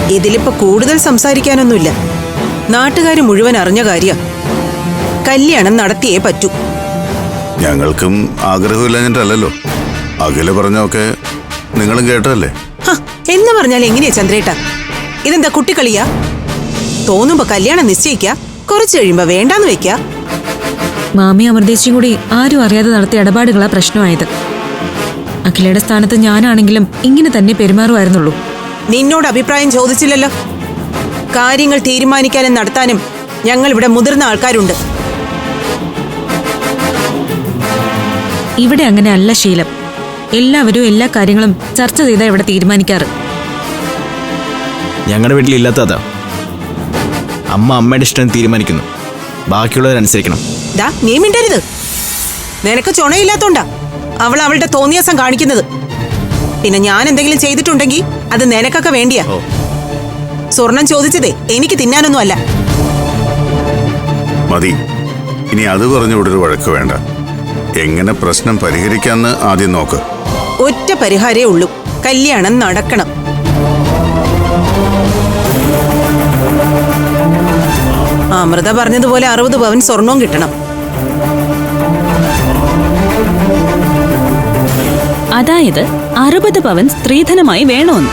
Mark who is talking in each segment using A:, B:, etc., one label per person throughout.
A: ഇതിലിപ്പോ കൂടുതൽ സംസാരിക്കാനൊന്നുമില്ല. നാട്ടുകാർ മുഴുവൻ അറിഞ്ഞ കാര്യ. കല്യാണം നടത്തിയേ പറ്റൂ.
B: ഞങ്ങൾക്കും ആഗ്രഹമില്ലല്ലോ. അഖില പറഞ്ഞൊക്കെ നിങ്ങളും കേട്ടല്ലേ?
A: എന്ന് പറഞ്ഞാൽ എങ്ങനെയാ ചന്ദ്രേട്ട? ഇതെന്താ കുട്ടിക്കളിയാ? തോന്നുമ്പോ കല്യാണം നിശ്ചയിക്ക, കുറച്ചു കഴിയുമ്പോ വേണ്ടാന്ന് വെക്ക.
C: മാമി അമൃതേശിയും കൂടി ആരും അറിയാതെ നടത്തിയ ഇടപാടുകളാ പ്രശ്നമായത്. അഖിലയുടെ സ്ഥാനത്ത് ഞാനാണെങ്കിലും ഇങ്ങനെ തന്നെ പെരുമാറുമായിരുന്നുള്ളൂ.
A: നിന്നോട് അഭിപ്രായം ചോദിച്ചില്ലല്ലോ. കാര്യങ്ങൾ തീരുമാനിക്കാനും നടത്താനും ഞങ്ങൾ ഇവിടെ മുതിർന്ന ആൾക്കാരുണ്ട്.
C: ഇവിടെ അങ്ങനെ അല്ല ശീലം. എല്ലാവരും എല്ലാ കാര്യങ്ങളും ചർച്ച ചെയ്താ ഇവിടെ തീരുമാനിക്കാറ്.
D: ഞങ്ങളുടെ വീട്ടിലില്ലാത്തതാ. അമ്മ അമ്മയുടെ ഇഷ്ടം തീരുമാനിക്കുന്നു, ബാക്കിയുള്ളവരനുസരിക്കണം.
A: നീ മിണ്ടരുത്. നിനക്ക് ചുണയില്ലാത്തോണ്ടാ അവൾ അവളുടെ തോന്നിയാസം കാണിക്കുന്നത്. പിന്നെ ഞാൻ എന്തെങ്കിലും ചെയ്തിട്ടുണ്ടെങ്കിൽ അത് നിനക്കൊക്കെ വേണ്ടിയാ. സ്വർണം ചോദിച്ചതേ എനിക്ക് തിന്നാനൊന്നും അല്ല.
B: മതി, ഇനി അത് പറഞ്ഞുകൂടെ ഒരു വഴക്ക് വേണ്ട. എങ്ങനെ പ്രശ്നം പരിഹരിക്കാന്ന് ആദ്യം നോക്ക്.
A: ഒറ്റ പരിഹാരേ ഉള്ളൂ, കല്യാണം നടക്കണം. അമൃത പറഞ്ഞതുപോലെ 60 പവൻ സ്വർണവും കിട്ടണം.
E: അതായത് 60 പവൻ സ്ത്രീധനമായി വേണമെന്ന്.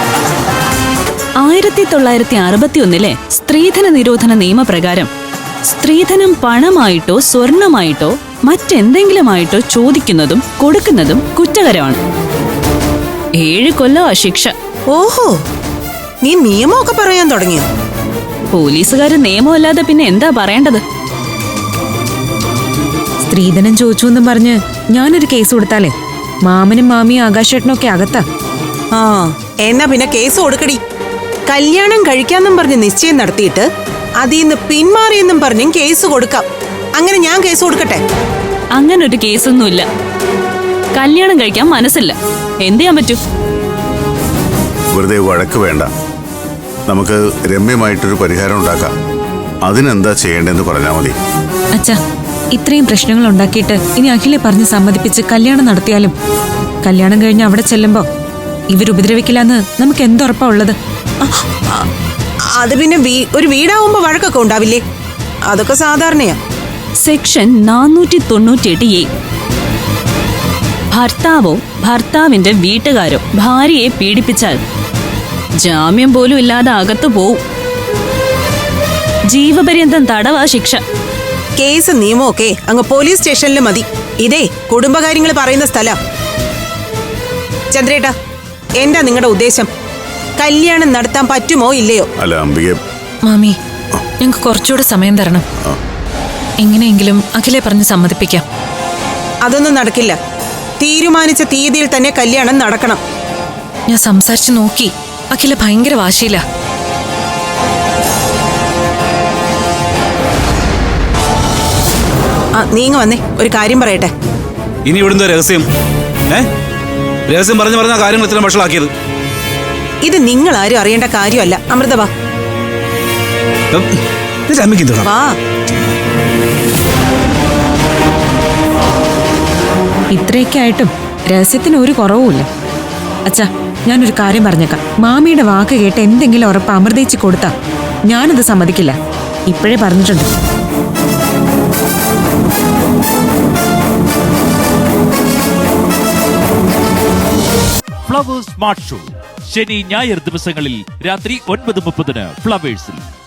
E: 1961 സ്ത്രീധന നിരോധന നിയമപ്രകാരം സ്ത്രീധനം പണമായിട്ടോ സ്വർണമായിട്ടോ മറ്റെന്തെങ്കിലുമായിട്ടോ ചോദിക്കുന്നതും കൊടുക്കുന്നതും കുറ്റകരമാണ്. 7 കൊല്ലമാ ശിക്ഷ.
A: ഓഹോ, നീ നിയമമൊക്കെ പറയാൻ തുടങ്ങിയോ?
E: പോലീസുകാര് നിയമമല്ലാതെ പിന്നെ എന്താ പറയേണ്ടത്?
C: സ്ത്രീധനം ചോദിച്ചു എന്നും പറഞ്ഞ് ഞാനൊരു കേസ് കൊടുത്താലേ മാമനും മാമിയും ആകാശേട്ടനൊക്കെ അകത്താ.
A: എന്നാ പിന്നെ കേസ് കൊടുക്കടി. കല്യാണം കഴിക്കാന്നും പറഞ്ഞ് നിശ്ചയം നടത്തിയിട്ട് അതിന്ന് പിന്മാറിയെന്നും പറഞ്ഞും കേസ് കൊടുക്കാം. അങ്ങനെ ഞാൻ കേസ് കൊടുക്കട്ടെ?
E: അങ്ങനെ ഒരു കേസൊന്നുമില്ല. കല്യാണം കഴിക്കാൻ മനസ്സില്ല, എന്ത് ചെയ്യാൻ പറ്റൂ?
B: വെറുതെ വഴക്ക് വേണ്ട. നമുക്ക് രമ്യമായിട്ടൊരു പരിഹാരം ഉണ്ടാക്കാം. അതിനെന്താ ചെയ്യേണ്ടതെന്ന് പറഞ്ഞാൽ മതി.
C: അച്ഛാ, ഇത്രയും പ്രശ്നങ്ങൾ ഉണ്ടാക്കിയിട്ട് ഇനി അഖിലെ പറഞ്ഞ് സമ്മതിപ്പിച്ച് കല്യാണം നടത്തിയാലും കല്യാണം കഴിഞ്ഞ് അവിടെ ചെല്ലുമ്പോ ഇവരുപദ്രവിക്കില്ലെന്ന് നമുക്ക് എന്തുറപ്പാ ഉള്ളത്?
A: അത് പിന്നെ ഒരു വീടാവുമ്പോ വഴക്കൊക്കെ ഉണ്ടാവില്ലേ? അതൊക്കെ സാധാരണയാ.
E: Section 498A. ഭർത്താവോ ഭർത്താവിന്റെ വീട്ടുകാരോ ഭാര്യയെ പീഡിപ്പിച്ചാൽ ജാമ്യം പോലും ഇല്ലാതെ അകത്തു പോവും. ജീവപര്യന്തം തടവാ ശിക്ഷ.
A: കേസ് നിയമമൊക്കെ അങ്ങ് പോലീസ് സ്റ്റേഷനിൽ മതി. ഇതേ കുടുംബകാര്യങ്ങൾ പറയുന്ന സ്ഥല. ചന്ദ്രേട്ടാ, എന്താ നിങ്ങളുടെ ഉദ്ദേശം? കല്യാണം നടത്താൻ പറ്റുമോ ഇല്ലയോ?
B: അല്ല അംബിക
C: മാമി, ഞങ്ങൾക്ക് കുറച്ചുകൂടെ സമയം തരണം. എങ്ങനെയെങ്കിലും അഖിലെ പറഞ്ഞ് സമ്മതിപ്പിക്കാം.
A: അതൊന്നും നടക്കില്ല. തീരുമാനിച്ച തീയതിയിൽ തന്നെ കല്യാണം നടക്കണം.
C: ഞാൻ സംസാരിച്ചു നോക്കി. അഖില ഭയങ്കര വാശിയില്ല.
A: നീങ്ങ വന്നേ, ഒരു കാര്യം പറയട്ടെ.
D: ഇനി ഇവിടുന്ന് രഹസ്യം രഹസ്യം പറഞ്ഞു പറഞ്ഞ കാര്യങ്ങൾ ഇത്ര വഷളാക്കിയത്.
A: ഇത് നിങ്ങൾ ആരും അറിയേണ്ട കാര്യമല്ല. അമൃത വാ.
C: ഇത്രയൊക്കെ ആയിട്ടും രഹസ്യത്തിന് ഒരു കുറവുമില്ല. അച്ഛാ, ഞാനൊരു കാര്യം പറഞ്ഞേക്കാം. മാമിയുടെ വാക്ക് കേട്ട് എന്തെങ്കിലും ഉറപ്പ് അമൃതേച്ചി കൊടുത്താ ഞാനത് സമ്മതിക്കില്ല. ഇപ്പോഴേ പറഞ്ഞിട്ടുണ്ട്.
F: ഫ്ലവേഴ്സ് സ്മാർട്ട് ഷോ ശനി ഞായർ ദിവസങ്ങളിൽ രാത്രി 9:30 ഫ്ലവേഴ്സിൽ.